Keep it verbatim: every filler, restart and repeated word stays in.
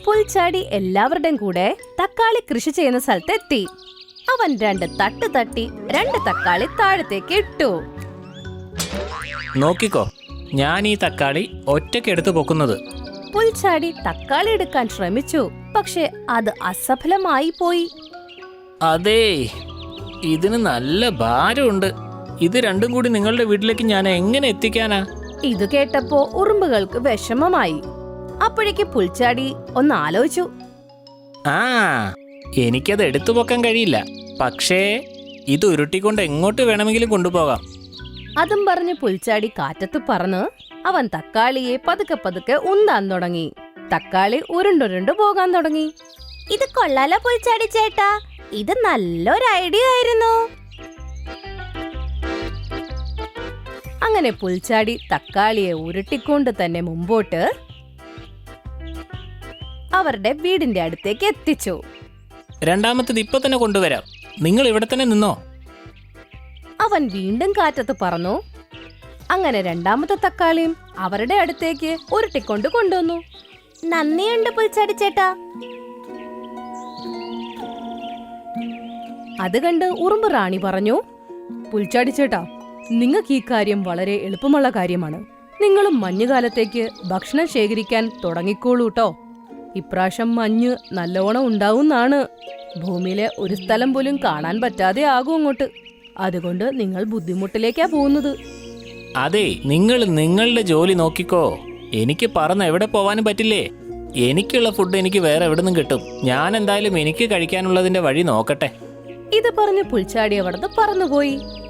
പുൽച്ചാടി എല്ലാവരുടെയും കൂടെ തക്കാളി കൃഷി ചെയ്യുന്ന സ്ഥലത്തെത്തി. അവൻ രണ്ട് തട്ട് തട്ടി രണ്ട് തക്കാളി താഴത്തേക്ക് ഇട്ടു. നോക്കിക്കോ, ഞാൻ ഈ തക്കാളി ഒറ്റയ്ക്ക് എടുത്തു പൊക്കുന്നത്. പുൽച്ചാടി തക്കാളി എടുക്കാൻ ശ്രമിച്ചു, പക്ഷെ അത് അസഫലമായി പോയി. അതേ, ഇതിന് നല്ല ഭാരമുണ്ട്. ഇത് രണ്ടും കൂടി നിങ്ങളുടെ വീട്ടിലേക്ക് ഞാൻ എങ്ങനെ എത്തിക്കാനാ? ഇത് കേട്ടപ്പോ ഉറുമ്പുകൾക്ക് വിഷമമായി. അപ്പോഴേക്ക് പുൽച്ചാടി ഒന്ന് ആലോചിച്ചു. ആ, എനിക്കത് എടുത്തു പൊക്കാൻ കഴിയില്ല, പക്ഷേ ഇത് ഉരുട്ടിക്കൊണ്ട് എങ്ങോട്ട് വേണമെങ്കിലും കൊണ്ടുപോകാം. അതും പറഞ്ഞ് പുൽച്ചാടി കാറ്റത്ത് പറന്ന് അവൻ തക്കാളിയെ പതുക്കെ പതുക്കെ ഉന്താൻ തുടങ്ങി. തക്കാളി ഉരുണ്ടുരുണ്ടു പോകാൻ തുടങ്ങി. ഇത് കൊള്ളാലോ പുൽച്ചാടി ചേട്ടാ, ഇത് നല്ലൊരു ഐഡിയ ആയിരുന്നു. അങ്ങനെ പുൽച്ചാടി തക്കാളിയെ ഉരുട്ടിക്കൊണ്ട് തന്നെ മുമ്പോട്ട് അവരുടെ വീടിന്റെ അടുത്തേക്ക് എത്തിച്ചു. രണ്ടാമത്തത് ഇപ്പൊ തന്നെ കൊണ്ടുവരാം, നിങ്ങൾ ഇവിടെ തന്നെ നിന്നോ. അവൻ വീണ്ടും കാറ്റത്ത് പറന്നു. അങ്ങനെ രണ്ടാമത്തെ തക്കാളിയും അവരുടെ അടുത്തേക്ക് ഉരുട്ടിക്കൊണ്ട് കൊണ്ടുവന്നു. നന്ദിയുണ്ട് പുൽച്ചാടി ചേട്ടാ. അത് കണ്ട് ഉറുമ്പ് റാണി പറഞ്ഞു, പുൽച്ചാടി ചേട്ടാ, നിങ്ങൾക്ക് ഈ കാര്യം വളരെ എളുപ്പമുള്ള കാര്യമാണ്. നിങ്ങളും മഞ്ഞുകാലത്തേക്ക് ഭക്ഷണം ശേഖരിക്കാൻ തുടങ്ങിക്കോളൂട്ടോ. ഇപ്രാവശ്യം മഞ്ഞ് നല്ലോണം ഉണ്ടാവുന്നാണ്. ഭൂമിയിലെ ഒരു സ്ഥലം പോലും കാണാൻ പറ്റാതെ ആകും അങ്ങോട്ട്. അതുകൊണ്ട് നിങ്ങൾ ബുദ്ധിമുട്ടിലേക്കാ പോകുന്നത്. അതെ, നിങ്ങൾ നിങ്ങളുടെ ജോലി നോക്കിക്കോ. എനിക്ക് പറന്ന് എവിടെ പോവാനും പറ്റില്ലേ. എനിക്കുള്ള ഫുഡ് എനിക്ക് വേറെ എവിടെ നിന്നും കിട്ടും. ഞാൻ എന്തായാലും എനിക്ക് കഴിക്കാനുള്ളതിന്റെ വഴി നോക്കട്ടെ. ഇത് പറഞ്ഞ് പുൽച്ചാടി അവിടുന്ന് പറന്നുപോയി.